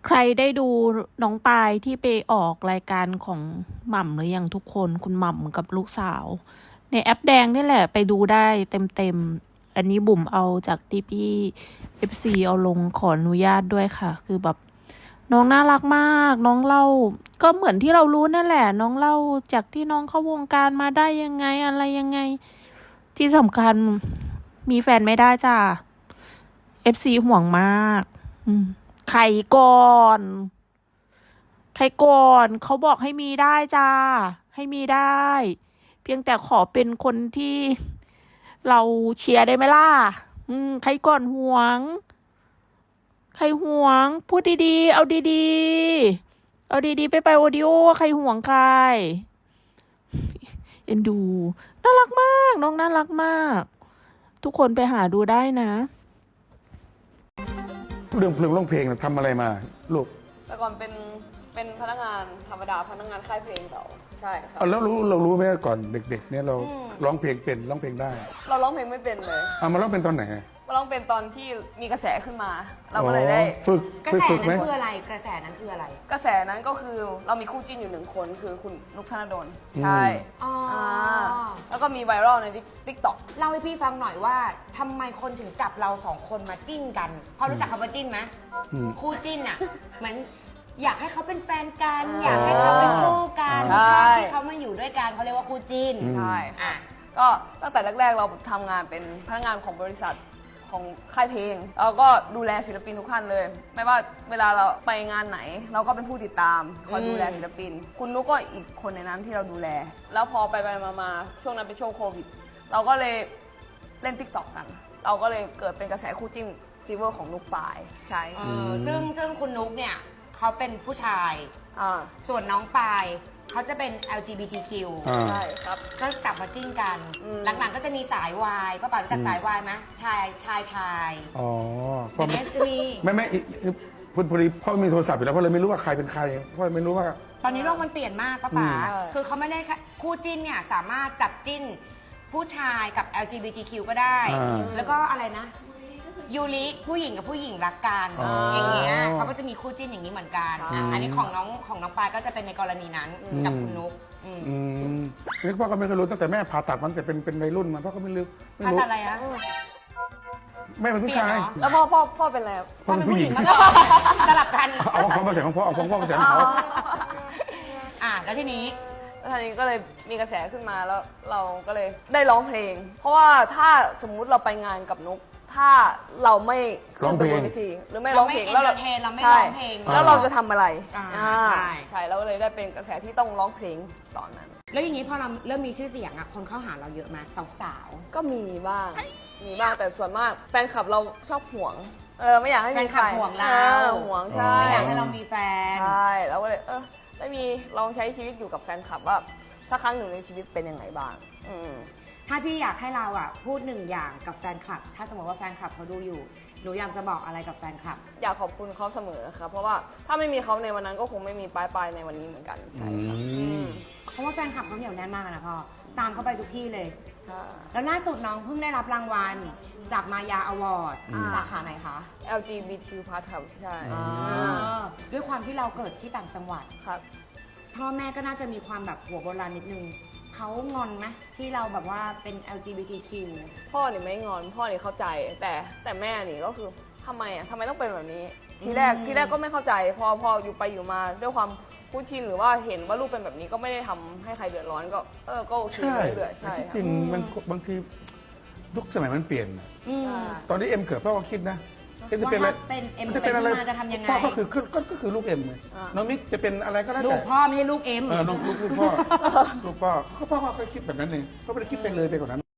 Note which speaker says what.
Speaker 1: ใครได้ดูน้องปายที่ไปออกรายการของหม่ำหรือยังทุกคนคุณหม่ำกับลูกสาวในแอปแดงนี่แหละไปดูได้เต็มอันนี้บุ๋มเอาจากที่พี่FCเอาลงขออนุญาตด้วยค่ะคือแบบน้องน่ารักมากน้องเล่าก็เหมือนที่เรารู้นั่นแหละน้องเล่าจากที่น้องเข้าวงการมาได้ยังไงอะไรยังไงที่สำคัญมีแฟนไม่ได้จ้า FC ห่วงมากใครก่อนเขาบอกให้มีได้จ้าให้มีได้ เพียงแต่ขอเป็นคนที่เราเชียร์ได้ไหมล่ะใครก่อนห่วงใครห่วงพูดดีๆเอาดีๆเอาดีๆไปโอดิโอใครห่วงใครเอ็นดูน่ารักมากน้องน่ารักมากทุกคนไปหาดูได้นะ
Speaker 2: เรื่องเพลงร้องเพลงทำอะไรมาลูก
Speaker 3: แต่ก่อนเป็นพนักงานธรรมดาพนักงานค่ายเพลงเก่าใช่ครับ
Speaker 2: แล้วเรารู้ไหมก่อนเด็กๆเนี่ยเราร้องเพลงเป็นร้องเพลงได้
Speaker 3: เราร้องเพลงไม่เป็นเลย
Speaker 2: มาร้องเป็นตอนไหน
Speaker 3: มาร้องเป็นตอนที่มีกระแสขึ้นมาเราก็เลยได้
Speaker 2: ฝึก
Speaker 4: กระแสนั้นคืออะไรกระแสนั้นคืออะไร
Speaker 3: กระแสนั้นก็คือเรามีคู่จิ้นอยู่1 คนคือคุณนุกธนดลใช่แล้วก็มีไวรัลในTikTok
Speaker 4: เล่าให้พี่ฟังหน่อยว่าทำไมคนถึงจับเรา2 คนมาจิ้นกันพอรู้จักคำว่าจิ้นไหมคู่จิ้นอ่ะเหมือนอยากให้เขาเป็นแฟนกันอยากให้เขาเป็นคู่กันชอบที่เขามาอยู่ด้วยกันเขาเรียกว่าคู่จิ้น
Speaker 3: ใช่ก็ตั้งแต่แรกๆเราทำงานเป็นพนักงานของบริษัทของค่ายเพลงเราก็ดูแลศิลปินทุกท่านเลยไม่ว่าเวลาเราไปงานไหนเราก็เป็นผู้ติดตามคอยดูแลศิลปินคุณนุกก็อีกคนในนั้นที่เราดูแลแล้วพอไปมาช่วงนั้นเป็นช่วงโควิดเราก็เลยเล่น TikTok กันเราก็เลยเกิดเป็นกระแสคู่จิ้นฟีเวอร์ของนุกปายใช่
Speaker 4: ซึ่งคุณนุกเนี่ยเขาเป็นผู้ชายส่วนน้องปายเขาจะเป็น LGBTQ
Speaker 3: ใช่ครับ
Speaker 4: ก็จับมาจิ้นกันหลังๆก็จะมีสายวายป้าป๋ารู้จักสายวายไหมชาย
Speaker 2: อ๋อ
Speaker 4: แต่เนี้ยจะมี
Speaker 2: ไม่พอดีพ่อมีโทรศัพท์อยู่แล้วพ่อเลยไม่รู้ว่าใครเป็นใครพ่อไม่รู้ว่า
Speaker 4: ตอนนี้โลกมันเปลี่ยนมากป้าป๋าคือเขาไม่ได้คู่จิ้นเนี่ยสามารถจับจิ้นผู้ชายกับ LGBTQ ก็ได้แล้วก็อะไรนะยูริผู้หญิงกับผู้หญิงรักกันอย่างเงี้ยเขาก็จะมีคู่จิ้นอย่างนี้เหมือนกันอันนี้ของน้องปายก็จะเป็นในกรณีนั้นกับคุณนุ๊ก
Speaker 2: นี่พ่อก็ไม่เคยรู้ตั้งแต่แม่ผ่าตัดมันแต่เป็นวัยรุ่นมาพ่อก็ไม่รู้
Speaker 4: ผ่าตัดอะไรอะ
Speaker 2: แม่เป็นผู้ชาย
Speaker 3: แล้วพ่อเป็นอะไร
Speaker 2: พ่อเป็นผู้หญิง
Speaker 4: สลับกัน
Speaker 2: เอาของมาใส่ของพ่อเอาของพ่อมาใส่ของเขา
Speaker 4: แล้วทีนี้
Speaker 3: ก็เลยมีกระแสขึ้นมาแล้วเราก็เลยได้ร้องเพลงเพราะว่าถ้าสมมุติเราไปงานกับนุ๊กถ้าเราไม่
Speaker 2: ร้องเพลง
Speaker 3: หรือไม่ร้องเพลง
Speaker 4: แล้วเราไม่ร้องเพลง
Speaker 3: แล้วเราจะทำอะไร
Speaker 4: ใช่
Speaker 3: เราก็เลยได้เป็นกระแสที่ต้องร้องเพลงตอนนั้น
Speaker 4: แล้วอย่างนี้พอเราเริ่มมีชื่อเสียงคนเข้าหาเราเยอะไหมสาว
Speaker 3: ๆก็มีบ้างแต่ส่วนมากแฟนคลับเราชอบห่วงไม่อยากให้
Speaker 4: แฟนคลับห่วงเรา
Speaker 3: ห่วงใช่
Speaker 4: ไม่อยากให้เรามีแฟน
Speaker 3: ใช่เราก็เลยได้มีลองใช้ชีวิตอยู่กับแฟนคลับว่าสักครั้งหนึ่งในชีวิตเป็นยังไงบ้าง
Speaker 4: ถ้าพี่อยากให้เราพูด1 อย่างกับแฟนคลับถ้าสมมติว่าแฟนคลับเขาดูอยู่หนูอยากจะบอกอะไรกับแฟนคลับ
Speaker 3: อยากขอบคุณเขาเสมอครับเพราะว่าถ้าไม่มีเขาในวันนั้นก็คงไม่มีปลายในวันนี้เหมือนกันใช่ครับ
Speaker 4: เพราะว่าแฟนคลับเขาเหนียวแน่นมากนะพ่อตามเขาไปทุกที่เลยแล้วล่าสุดน้องเพิ่งได้รับรางวัลจากมายาอวอร์ดสาขาไหนคะ
Speaker 3: LGBT+ ครับใช่
Speaker 4: ด้วยความที่เราเกิดที่ต่างจังหวัด
Speaker 3: ครับ
Speaker 4: พ่อแม่ก็น่าจะมีความแบบหัวโบราณนิดนึงเขางอนไหมที่เราแบบว่าเป็น LGBTQ
Speaker 3: พ่อเนี่ยไม่งอนพ่อเนี่ยเข้าใจแต่แม่นี่ก็คือทำไมต้องเป็นแบบนี้ทีแรกก็ไม่เข้าใจพออยู่ไปอยู่มาด้วยความคุ้นชินหรือว่าเห็นว่าลูกเป็นแบบนี้ก็ไม่ได้ทำให้ใครเดือดร้อนก็โอเคเรื่อยๆใช่
Speaker 2: จริงมันบางทียุคสมัยมันเปลี่ยนตอนนี้เอ็มเกิดพ่อก็คิดนะ
Speaker 4: จะเป็นอะไรเป็นอะไรจะทำยังไง
Speaker 2: พ่อก็คือลูกเอ็มเลยน้องมิกจะเป็นอะไรก็ได้
Speaker 4: ลูกพ่อไม่ใช่ลูกเอ็ม
Speaker 2: ลูกพ่อก็คิดแบบนั้นเองเขาไม่ได้คิดไปเลยไปกว่านั้น